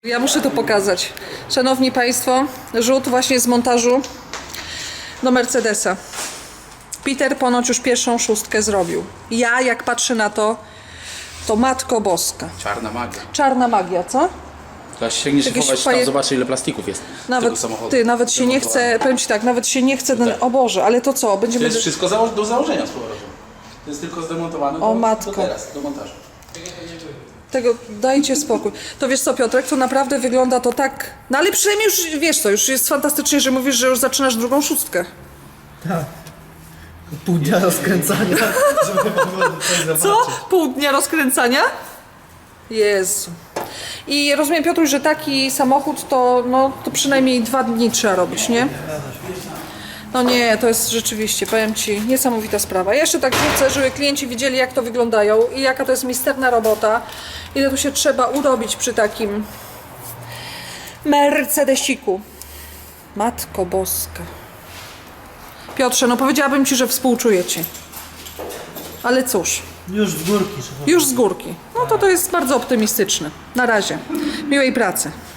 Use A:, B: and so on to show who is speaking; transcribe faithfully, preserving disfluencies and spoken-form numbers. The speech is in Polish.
A: Ja muszę to pokazać. Szanowni Państwo, rzut właśnie z montażu do Mercedesa. Peter ponoć już pierwszą szóstkę zrobił. Ja jak patrzę na to, to Matko Boska.
B: Czarna magia.
A: Czarna magia, co?
B: Teraz sięgniesz
A: Jakieś
B: chować,
A: faje-
B: tam zobaczy ile plastików jest
A: Nawet,
B: tego samochodu.
A: ty, nawet się nie chce, powiem Ci tak, nawet się nie chce, ten, o Boże, ale to co,
B: To
A: będziemy...
B: jest wszystko zało- do założenia z powrotem. To jest tylko zdemontowane
A: O
B: do,
A: matko.
B: do teraz, do montażu.
A: Tego, dajcie spokój. To wiesz co, Piotrek, to naprawdę wygląda to tak... No ale przynajmniej już, wiesz co, już jest fantastycznie, że mówisz, że już zaczynasz drugą szóstkę.
C: Tak. Pół dnia rozkręcania, żeby było coś
A: Co?
C: zobaczyć.
A: Pół dnia rozkręcania? Jezu. I rozumiem, Piotruś, że taki samochód to, no, to przynajmniej dwa dni trzeba robić, nie? No nie, to jest rzeczywiście, powiem Ci, niesamowita sprawa. Ja jeszcze tak wrócę, żeby klienci widzieli, jak to wyglądają i jaka to jest misterna robota. Ile tu się trzeba urobić przy takim Mercedesiku. Matko Boska. Piotrze, no powiedziałabym Ci, że współczuję Ci. Ale cóż,
C: Już z górki. Szefie.
A: już z górki. No to to jest bardzo optymistyczne. Na razie. Miłej pracy.